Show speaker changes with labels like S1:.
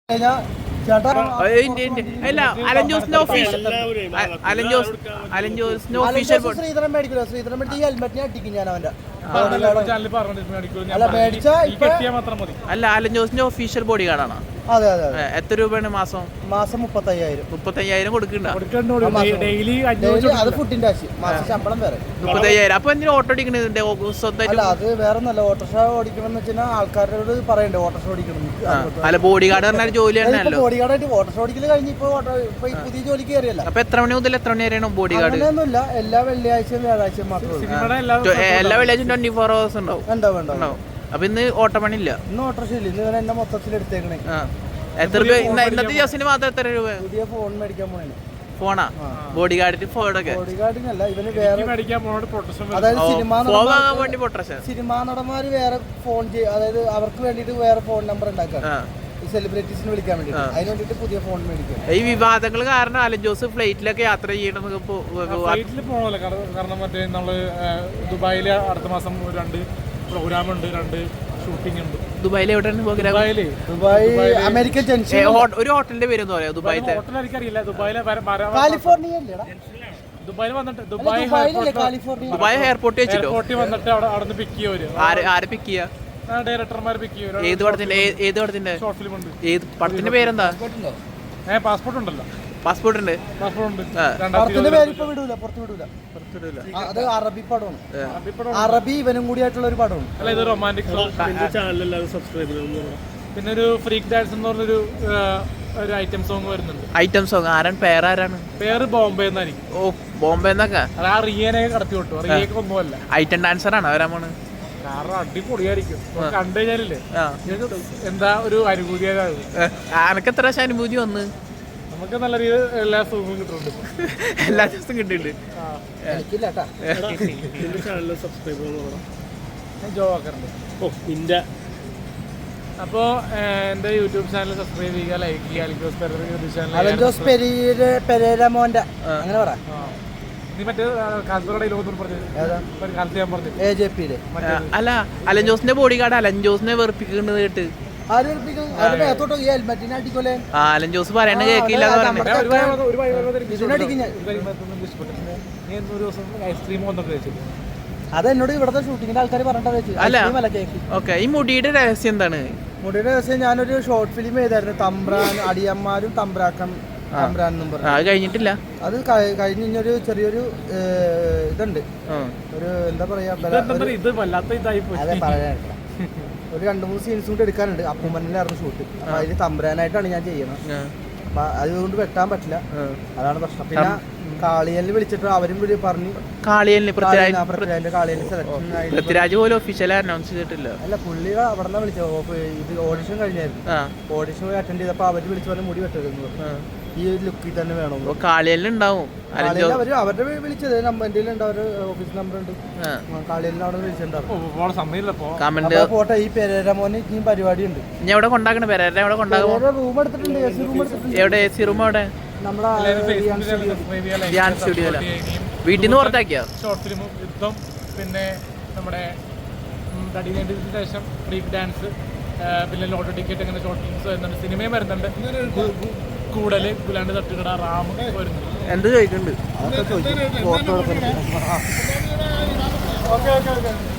S1: അല്ല അലൻ ജോസിന്റെ ഒഫീഷ്യൽ
S2: ശ്രീധരൻ മേടിക്കില്ല. ശ്രീധരൻ മേടിച്ച് ഈ ഹെൽമെറ്റിനെ അടിക്കും ഞാൻ അവന്റെ.
S1: അല്ല അലൻ ജോസിന്റെ ഒഫീഷ്യൽ ബോഡി ഗാർഡാണ്.
S2: അതെ അതെ അതെ.
S1: എത്ര രൂപയാണ് മാസം?
S2: 35,000
S1: കൊടുക്കണ്ട.
S2: അത് ഫുഡിന്റെ ആവശ്യം, മാസം ശമ്പളം വേറെ
S1: 35,000. അപ്പൊ എന്തിനാ ഓട്ടോ ഓടിക്കണത് സ്വന്തമായിട്ട്?
S2: അല്ല അത് വേറെ നല്ല ഓട്ടോറിക്ഷ ഓടിക്കണം എന്ന് വെച്ചാൽ ആൾക്കാരോട് പറയണ്ടേ ഓട്ടോറിക്ഷ ഓടിക്കണം.
S1: അല്ല ബോഡി ഗാർഡ് പറഞ്ഞ ജോലി തന്നെയല്ലോ.
S2: ബോഡി ഗാർഡായിട്ട് ഓട്ടോറിക്ഷ ഓടിക്കൽ കഴിഞ്ഞ് ഇപ്പൊ പുതിയ ജോലിക്ക് കയറിയല്ല.
S1: അപ്പൊ എത്ര മണി മുതൽ എത്ര മണി വരെയാണ് ബോഡി ഗാർഡ്?
S2: അങ്ങനെയൊന്നുമില്ല, എല്ലാ വെള്ളിയാഴ്ചയും വ്യാഴാഴ്ചയും മാത്രമേ.
S1: എല്ലാ വെള്ളിയാഴ്ചയും 24 hours ഉണ്ടാവും.
S2: ഉണ്ടാവും.
S1: അപ്പൊ ഇന്ന് ഓട്ടമണി ഇല്ല.
S2: ഇന്ന് ഓട്ടോറിക്ഷ ഇല്ല. ഇന്ന് എന്നെ മൊത്തത്തിൽ എടുത്തേക്കണേ.
S1: എത്ര രൂപ ഇന്നത്തെ ദിവസത്തിന് മാത്രം? എത്ര രൂപ?
S2: പുതിയ ഫോൺ മേടിക്കാൻ പോണേ.
S1: ഫോണാ? ബോഡി ഗാർഡിന് ഫോണൊക്കെ?
S2: ബോഡി ഗാർഡിനല്ല, ഇവന് വേറെ അതായത് സിനിമാ നടന്മാര് വേറെ ഫോൺ അതായത് അവർക്ക് വേണ്ടിട്ട് വേറെ ഫോൺ നമ്പർ ഉണ്ടാക്കാം, സെലിബ്രിറ്റീസിന് വിളിക്കാൻ വേണ്ടി. അതിന് വേണ്ടിട്ട് പുതിയ ഫോൺ മേടിക്കാം.
S1: ഈ വിവാദങ്ങൾ കാരണം അലൻ ജോസ് ഫ്ലൈറ്റിലൊക്കെ യാത്ര ചെയ്യണം.
S3: ഫ്ലൈറ്റിൽ പോകണല്ലോ, കാരണം മറ്റേ നമ്മള് ദുബായില് അടുത്ത മാസം 2 പ്രോഗ്രാം ഉണ്ട്, 2 ഷൂട്ടിംഗ് ഉണ്ട്.
S1: ദുബായിൽ എവിടെയാണ് പ്രോഗ്രാം?
S2: Dubai American junction.
S1: ഒരു ഹോട്ടലിന്റെ പേര് എന്താ പറയാ? ദുബായിത്തെ
S3: ഹോട്ടൽ എനിക്കറിയില്ല. ദുബായിലെ
S2: കാലിഫോർണിയ
S3: ദുബായിൽ വന്നിട്ട്
S1: ദുബായ് എയർപോർട്ട് വെച്ചിട്ടോ
S3: വന്നിട്ട് അവിടെ പിക്ക് ചെയ്യുവര്.
S1: ആരെ പിക്ക് ചെയ്യാ?
S3: ഡയറക്ടർമാർ പിക്ക് ചെയ്യും.
S1: ഏത് പടത്തിന്റെ?
S3: ഷോർട്ട് ഫിലിം ഉണ്ട്.
S1: ഏത് പടത്തിന്റെ പേരെന്താ?
S3: പാസ്പോർട്ട് ഉണ്ടല്ലോ.
S1: പാസ്പോർട്ട് ഉണ്ട്.
S2: അത് അറബി പടമാണ്. അറബി ഇവനും കൂടി ആയിട്ടുള്ള ഒരു പടമാണ്.
S3: അല്ല ഇത് റൊമാൻറ്റിക്. പിന്നെ ഒരു ഫ്രീക്ക് ഡാൻസ് എന്ന് പറഞ്ഞൊരു ഐറ്റം സോങ് വരുന്നുണ്ട്.
S1: ഐറ്റം സോങ് ആരാണ്? പേര്
S3: ബോംബെ എന്നായിരിക്കും.
S1: ഓ ബോംബെ എന്നൊക്കെ.
S3: അത് ആ റിയനെ കടത്തി വിട്ടു. റിയക്ക് ഒന്നുമല്ല.
S1: ഐറ്റം ഡാൻസർ ആണ് വരാൻ പോണ്.
S3: കാരണം അടിപൊളിയായിരിക്കും. കണ്ടു കഴിഞ്ഞാലില്ലേ എന്താ ഒരു അനുഭൂതിയാകും.
S1: അനക്ക് എത്ര പ്രാവശ്യം അനുഭൂതി വന്ന്?
S3: നമുക്ക് നല്ല രീതിയിൽ എല്ലാ ദിവസവും കിട്ടുന്നുണ്ട്.
S1: എല്ലാ ദിവസവും കിട്ടുന്നുണ്ട്.
S3: അപ്പോ എന്റെ യൂട്യൂബ് ചാനൽ സബ്സ്ക്രൈബ് ചെയ്യുക, ലൈക്ക് ചെയ്യുക.
S2: അങ്ങനെ പറ.
S3: നീ മറ്റേ കാസർഗോഡ് ലോകത്തോട് പറഞ്ഞു പറഞ്ഞു.
S1: അല്ല അലൻ ജോസിന്റെ ബോഡി ഗാർഡ് അലൻ ജോസിനെ വെറുപ്പിക്കുന്നത് കേട്ട് അലൻ ജോസ് പറയണ കേക്കില്ല.
S2: അതെന്നോട് ഇവിടുത്തെ ഷൂട്ടിങ്ങിന്റെ ആൾക്കാർ പറഞ്ഞിട്ട്.
S1: അല്ല ഓക്കെ, ഈ മുടിയുടെ രഹസ്യം എന്താണ്?
S2: മുടിയുടെ രഹസ്യം ഞാനൊരു ഷോർട്ട് ഫിലിം ചെയ്തായിരുന്നു, തമ്പ്രാൻ അടിയന്മാരും തമ്പ്രാക്കം തമ്പ്രാൻ എന്നും പറഞ്ഞു.
S1: അത് കഴിഞ്ഞിട്ടില്ല.
S2: അത് കഴിഞ്ഞൊരു ചെറിയൊരു ഇതുണ്ട്, ഒരു എന്താ പറയാ, അതെ പറയാനില്ല. ഒരു 2-3 സീൻസ് കൂടി എടുക്കാനുണ്ട്. അപ്പൂമ്മനിലായിരുന്നു ഷൂട്ട്. അപ്പൊ അതില് തമ്പ്രാനായിട്ടാണ് ഞാൻ ചെയ്യണം. അപ്പൊ അതുകൊണ്ട് വെട്ടാൻ പറ്റില്ല, അതാണ് പ്രശ്നം. പിന്നെ കാളിയലിൽ വിളിച്ചിട്ട് അവരും പറഞ്ഞു.
S1: പൃഥ്വിരാജ് പോലും ഒഫീഷ്യലായി അനൗൺസ് ചെയ്തിട്ടില്ല.
S2: അല്ല പുള്ളി അവിടെ വിളിച്ചത്. ഇത് ഓഡിഷൻ കഴിഞ്ഞായിരുന്നു. ഓഡിഷൻ പോയി അറ്റൻഡ് ചെയ്തപ്പോ അവര് വിളിച്ചു പറഞ്ഞ മുടി വെട്ടരുന്നു, ഈ ലുക്കിൽ തന്നെ വേണം.
S1: കാളിയലിലുണ്ടാവും.
S2: അവരുടെ വിളിച്ചത് എന്റെ ഓഫീസ് നമ്പർ ഉണ്ട്. കാളിയലിന് അവിടെ വിളിച്ചിട്ടുണ്ടാവും. പോട്ടെ, ഈ പെരേരമോന് ഇനിയും പരിപാടി ഉണ്ട്.
S1: എവിടെ കൊണ്ടാക്കണ?
S2: റൂം എടുത്തിട്ടുണ്ട്.
S1: എവിടെ? AC റൂം എവിടെ? വീട്ടിൽ നിന്ന് പുറത്താക്കിയ
S3: ഷോർട്ട് ഫിലിം, യുദ്ധം, പിന്നെ നമ്മുടെ തടിനേണ്ടതിന് ശേഷം ഫ്രീക്ക് ഡാൻസ്, പിന്നെ ലോട്ടറി ടിക്കറ്റ്, അങ്ങനെ ഷോർട്ട് ഫിലിംസ് വരുന്നുണ്ട്. സിനിമയും വരുന്നുണ്ട്. കൂടല്, ഗുലാണ്ട് തട്ടുകട, റാം വരുന്നുണ്ട്.
S1: എന്ത് ചോദിക്കുന്നുണ്ട്?
S3: ഓക്കെ.